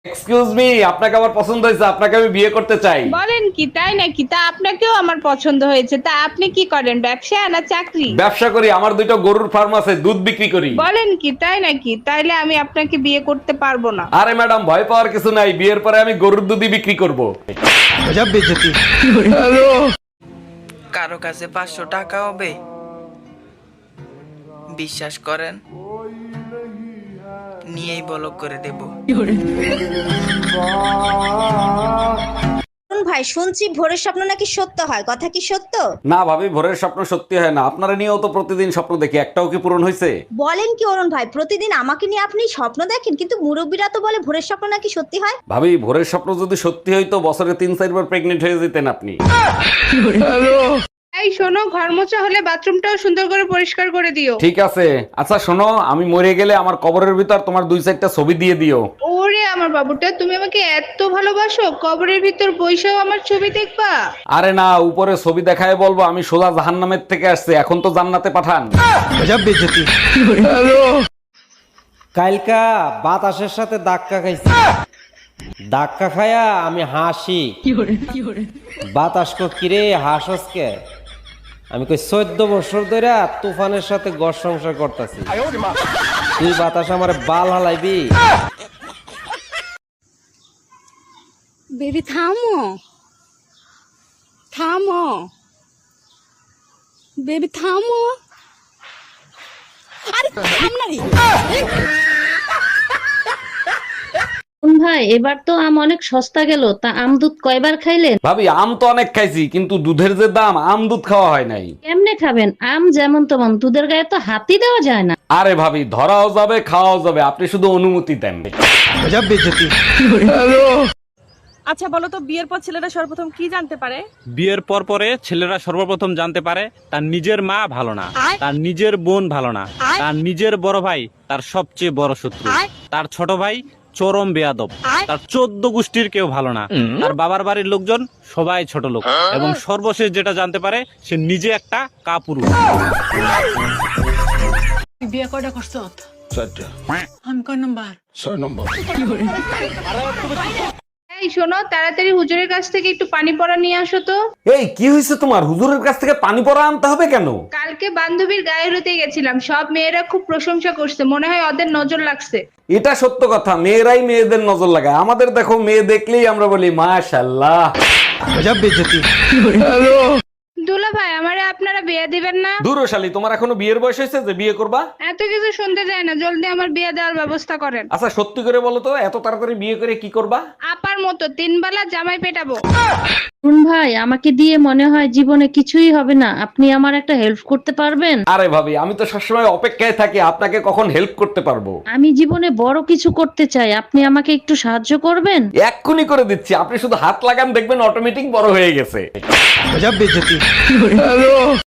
Excuse me, আপনাকে আমার পছন্দ হয়েছে, আপনাকে আমি বিয়ে করতে চাই। বলেন কি, তাই নাকি? তা আপনাকেও আমার পছন্দ হয়েছে। তা আপনি কি করেন, ব্যবসা না চাকরি? ব্যবসা করি, আমার দুইটা গরুর ফার্ম আছে, দুধ বিক্রি করি। বলেন কি, তাই নাকি? তাইলে আমি আপনাকে বিয়ে করতে পারবো না। আরে ম্যাডাম, ভয় পাওয়ার কিছু নাই, বিয়ের পরে আমি গরুর দুধই বিক্রি করব। কারো কাছে 500 টাকা হবে? বিশ্বাস করেন, নিয়েই বলক করে দেব। ভাই শুনছি ভোরের স্বপ্ন নাকি সত্য হয়, কথা কি সত্য? না ভাবি, ভোরের স্বপ্ন সত্যি হয় না। আপনারা নিয়েও তো প্রতিদিন স্বপ্ন দেখি, একটাও কি পূরণ হয়েছে? বলেন কি অরুণ ভাই, প্রতিদিন আমাকে নিয়ে আপনি স্বপ্ন দেখেন, কিন্তু মুরব্বীরা তো বলে ভোরের স্বপ্ন নাকি সত্যি হয়। ভাবি, ভোরের স্বপ্ন যদি সত্যি হইতো বছরে 3-4 বার প্রেগনেন্ট হয়ে যেতেন আপনি। এই শোনো, ঘর মোছা হলে বাথরুমটাও সুন্দর করে পরিষ্কার করে দিও। ঠিক আছে। আচ্ছা শোনো, আমি মরে গেলে আমার কবরের ভিতর তোমার 2-4টা ছবি দিয়ে দিও। ওরে আমার বাবুটা, তুমি আমাকে এত ভালোবাসো, কবরের ভিতর বইসাও আমার ছবি দেখবা? আরে না, উপরে ছবি দেখায় বলবো আমি সোজা জাহান্নামের থেকে আসছে, এখন তো জান্নাতে পাঠান। কালকা বাতাসের সাথে ধাক্কা খাইছি, ধাক্কা খায়া আমি হাসি। বাতাস কো কিরে হাসস কে? আমি কই 14 বছর ধরে তুফানের সাথে ঘর সংসার করতেছি, তুই বাতাস আমার বাল হালাইবি? বেবি থামো, থামো বেবি থামো। আরে থাম না রে। ভাই এবার তো আম অনেক সস্তা গেল, তা আম দুধ কয়বার খাইলেন? ভাবি, আম তো অনেক খাইছি, কিন্তু দুধের যে দাম, আম দুধ খাওয়া হয় নাই। কেমনে খাবেন? আম যেমন তেমন, দুধের গায়ে তো হাতই দেওয়া যায় না। আরে ভাবি, ধরাও যাবে খাওয়াও যাবে, আপনি শুধু অনুমতি দেন। আচ্ছা বলো তো, বিয়ের পর ছেলেরা সর্বপ্রথম কি জানতে পারে? বিয়ের পর পরে ছেলেরা সর্বপ্রথম জানতে পারে তার নিজের মা ভালো না, তার নিজের বোন ভালো না, তার নিজের বড় ভাই তার সবচেয়ে বড় শত্রু, তার ছোট ভাই চরম বেয়াদব, তার 14 গোষ্ঠীর কেউ ভালো না, তার বাবার বাড়ির লোকজন সবাই ছোট লোক, এবং সর্বশেষ যেটা জানতে পারে সে নিজে একটা কাপুরুষ। বিয়ে কয়টা করছো? 4টা। আমি কয় নাম্বার? 6 নম্বর। এই শোনো, তাড়াতাড়ি হুজুরের কাছ থেকে একটু পানি পড়া নিয়ে আসো তো। এই কি হয়েছে তোমার? হুজুরের কাছ থেকে পানি পড়া আনতে হবে কেন? কালকে বান্ধবীর গায়ে হলুদে গেছিলাম, সব মেয়েরা খুব প্রশংসা করছে, মনে হয় ওদের নজর লাগছে। এটা সত্য কথা, মেয়েরাই মেয়েদের নজর লাগায়। আমাদের দেখো, মেয়ে দেখলেই আমরা বলি মাশাআল্লাহ। দুলা ভাই, আমারে আপনারা বিয়ে দিবেন না? দূরশালী, তোমার এখনো বিয়ের বয়স হয়েছে যে বিয়ে করবা? এত কিছু শুনতে যায় না, জলদি আমার বিয়ে দেওয়ার ব্যবস্থা করেন। আচ্ছা সত্যি করে বলো তো, এত তাড়াতাড়ি বিয়ে করে কি করবা? আপার মতো 3 বেলা জামাই পেটাবো। অরুণ ভাই, আমাকে দিয়ে মনে হয় জীবনে কিছুই হবে না, আপনি আমার একটা হেল্প করতে পারবেন? আরে ভাবি, আমি তো সবসময় অপেক্ষায় থাকি আপনাকে কখন হেল্প করতে পারবো। আমি জীবনে বড় কিছু করতে চাই, আপনি আমাকে একটু সাহায্য করবেন? এক্ষুনি করে দিচ্ছি, আপনি শুধু হাত লাগান, দেখবেন অটোমেটিক বড় হয়ে গেছে।